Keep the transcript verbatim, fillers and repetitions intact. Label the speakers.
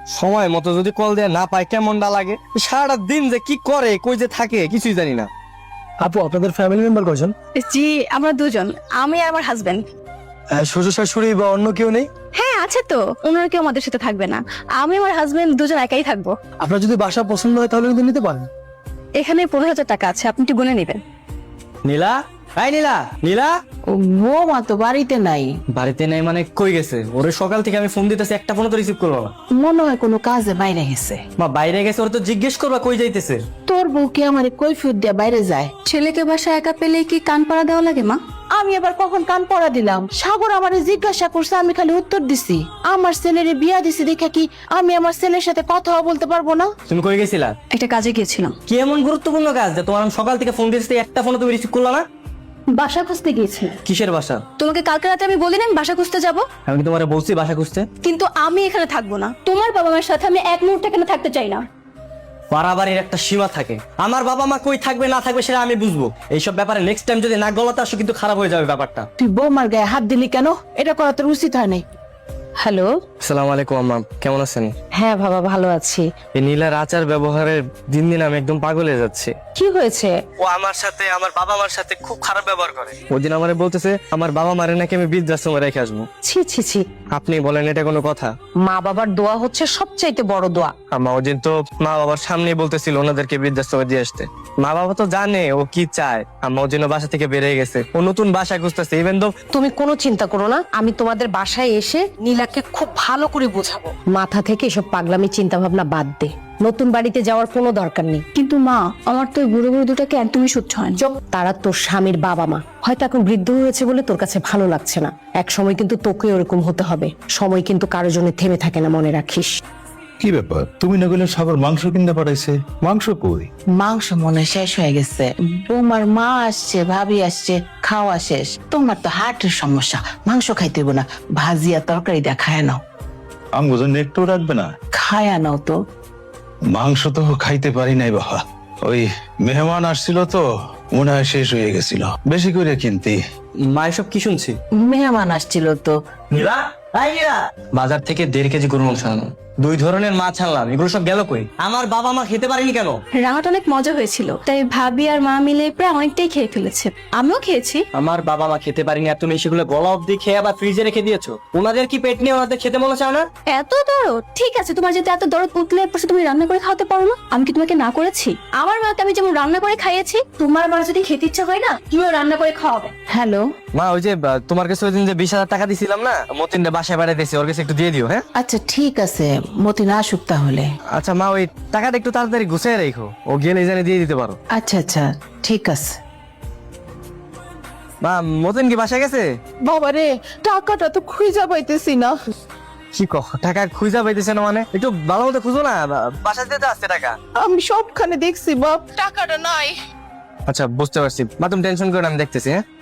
Speaker 1: সময় মতো যদি কল দেয়া না পায় কেমনটা লাগে, সারাটা দিন যে কি করে কই যে থাকে কিছুই জানি না।
Speaker 2: আপু আপনাদের ফ্যামিলি মেম্বার কয়জন?
Speaker 3: জি আমরা দুজন, আমি আর আমার হাজবেন্ড।
Speaker 2: শ্বশুর শাশুড়ি বা অন্য কেউ নেই?
Speaker 3: হ্যাঁ আছে তো, ওনারা কেউ আমাদের সাথে থাকবে না, আমি আমার হাজবেন্ড দুজন একাই থাকবো।
Speaker 2: আপনার যদি বাসা পছন্দ হয় তাহলে কিন্তু নিতে পারেন।
Speaker 3: এখানে পনেরো হাজার টাকা আছে, আপনি একটু গুনে নেবেন।
Speaker 1: নীলা, হাই নীলা, নীলা
Speaker 4: বৌমা তো বাড়িতে নাই,
Speaker 1: বাড়িতে নেই মানে কই গেছে? ওরে সকাল থেকে আমি ফোন দিতেছি, একটা ফোনও তো রিসিভ করলো না।
Speaker 4: মনে হয় কোনো কাজে বাইরে গেছে।
Speaker 1: মা বাইরে গেছে, ওরে তো জিজ্ঞেস করবা কই যাইতেছে।
Speaker 4: তোর বউ কি আমার কৈফিয়ত দিয়ে বাইরে যায়?
Speaker 3: ছেলেকে বাসা একা পেলে কি কান পাড়া দেওয়া লাগে মা?
Speaker 4: আমি এবার কখন কান পড়া দিলাম? সাগর আমারে জিজ্ঞাসা করছে, আমি খালি উত্তর দিছি। আমার ছেলের বিয়া দিছি দেখে কি আমি আমার ছেলের সাথে কথাও বলতে পারবো না?
Speaker 1: তুমি কই গেছিলা?
Speaker 3: একটা কাজে গিয়েছিলাম।
Speaker 1: কি এমন গুরুত্বপূর্ণ কাজ যে তোমার আমি সকাল থেকে ফোন দিতেছি, একটা ফোনও তুমি রিসিভ করলা না?
Speaker 3: বাসা খুঁজতে গিয়েছিলাম।
Speaker 1: কিসের বাসা?
Speaker 3: তোমাকে কালকে রাতে আমি বলি না আমি বাসা খুঁজতে যাব?
Speaker 1: আমি কি তোমারে বলছি বাসা খুঁজতে?
Speaker 3: কিন্তু আমি এখানে থাকবো না, তোমার বাবা মায়ের সাথে আমি এক মুহূর্ত এখানে থাকতে চাই না।
Speaker 1: বাড়াবাড়ির একটা সীমা থাকে। আমার বাবা মা কই থাকবে না থাকবে সেটা আমি বুঝবো। এইসব ব্যাপারে নেক্সট টাইম যদি না গলাতে আসো কিন্তু খারাপ হয়ে যাবে ব্যাপারটা।
Speaker 4: তুই বৌমার গায়ে হাত দিলি কেন? এটা করা তোর উচিত হয় নাই। হ্যালো,
Speaker 1: আসসালামু আলাইকুম আম্মা, কেমন আছেন?
Speaker 4: হ্যাঁ বাবা ভালো আছি।
Speaker 1: এই নীলার আচার ব্যবহারের দিন দিন আমি একদম পাগল হয়ে যাচ্ছি।
Speaker 4: কি হয়েছে?
Speaker 1: ও আমার সাথে আমার বাবা মার সাথে খুব খারাপ ব্যবহার করে। ওই দিন আমারে বলতেছে আমার বাবা মারে নাকি আমি বৃদ্ধাশ্রমে রেখে আসবো।
Speaker 4: ছি ছি ছি,
Speaker 1: আপনি বলেন এটা কোনো কথা?
Speaker 4: মা বাবার দোয়া হচ্ছে সবচাইতে বড় দোয়া।
Speaker 1: আম্মা ওই দিন তো মা বাবার সামনেই বলতেছিল ওনাদেরকে বৃদ্ধাশ্রমে দিয়ে আসতে। মা বাবা তো জানে ও কি চায়। আম্মা ওর জন্য বাসা থেকে বেরিয়ে গেছে, ও নতুন বাসা খুঁজতেছে। ইভেন তো
Speaker 5: তুমি কোনো চিন্তা করো না, আমি তোমাদের বাসায় এসে নীলাকে খুব ভালো করে বোঝাবো। মাথা থেকে এসব পাগলামি চিন্তা ভাবনা বাদ দে, নতুন বাড়িতে যাওয়ার কোনো দরকার নেই।
Speaker 3: কিন্তু মা আমার তো বুড়ো বুড়ো দুটাকে একদমই সহ্য হয় না।
Speaker 5: চুপ, তারা তোর স্বামীর বাবা মা, হয়তো এখন বৃদ্ধ হয়েছে বলে তোর কাছে ভালো লাগছে না, এক সময় কিন্তু তোকে ওরকম হতে হবে। সময় কিন্তু কারোর জন্য থেমে থাকে না, মনে রাখিস।
Speaker 6: কি ব্যাপার, তুমি না গেলে সাগর মাংস কিনতে পাঠাইছে? মাংস কই?
Speaker 4: মাংস মনে হয় শেষ হয়ে গেছে। বৌমার মা আসছে, ভাবি আসছে, খাওয়া শেষ। তোমার তো হার্টের সমস্যা, মাংস খাইতে হইব না, ভাজিয়া তরকারি দিয়ে খায় নাও।
Speaker 6: আঙ্গো জন্য একটু রাখবে না?
Speaker 4: খায়া নাও তো।
Speaker 6: মাংস তো খাইতে পারি নাই বাবা, ওই মেহমান আসছিল তো মনে হয় শেষ হয়ে গেছিল, বেশি করে কিনতি।
Speaker 1: মা এসব কি শুনছি?
Speaker 4: মেহমান আসছিল তো।
Speaker 1: নীলা, হাই নীলা। বাজার থেকে দেড় কেজি গরুর মাংস আনলাম, দুই ধরনের মাছ আনলাম, এগুলো সব গেল কই? আমার বাবা মা খেতে পারেনি কেন?
Speaker 3: রান্নাটা অনেক মজা হয়েছিল, তাই ভাবি আর মা মিলে প্রায় অনেকটাই খেয়ে ফেলেছে, আমিও খেয়েছি।
Speaker 1: আমার বাবা মা খেতে পারিনি আর তুমি সেগুলো গলা অব্দি খেয়ে আবার ফ্রিজে রেখে দিয়েছো। ওনাদের কি পেট নিয়ে ওনাদের খেতে মনে চায় না?
Speaker 3: এত দরদ? ঠিক আছে, তোমার যেতে এত দরদ উঠলে পড়ছে তুমি রান্না করে খাওয়াতে পারো না? আমি কি তোমাকে না করেছি? আমার মাকে আমি যেমন রান্না করে খাইয়েছি, তোমার মা যদি খেতে ইচ্ছা হয় না তুমিও রান্না করে খাওয়াবে।
Speaker 4: হ্যালো,
Speaker 1: মা ওই যে আহ, তোমার কাছে ওই দিন যে বিশ হাজার টাকা দিছিলাম না, মতিনটা বাসায় বেড়াইতেছি, ওর কাছে একটু দিয়ে দিও। হ্যাঁ
Speaker 4: আচ্ছা ঠিক আছে, মতিন আসুক তাহলে।
Speaker 1: আচ্ছা মা, ওই টাকাটা একটু তাড়াতাড়ি গুছিয়ে রেখো, ও গেলে জানে দিয়ে দিতে পারো।
Speaker 4: আচ্ছা আচ্ছা ঠিক আছে।
Speaker 1: মা মতিন কি বাসায় গেছে?
Speaker 4: বাবা রে, টাকাটা তো খুঁজে পাইতেছি না।
Speaker 1: কি কহ, টাকা খুঁজা পাইতেছে না মানে? একটু ভালো মতো খুঁজো না, বাসা দিতে আসছে টাকা।
Speaker 4: আমি সবখানে দেখছি বাপ, টাকাটা নাই।
Speaker 1: আচ্ছা বুঝতে পারছি মা, তুমি টেনশন করো না, আমি দেখতেছি। হ্যাঁ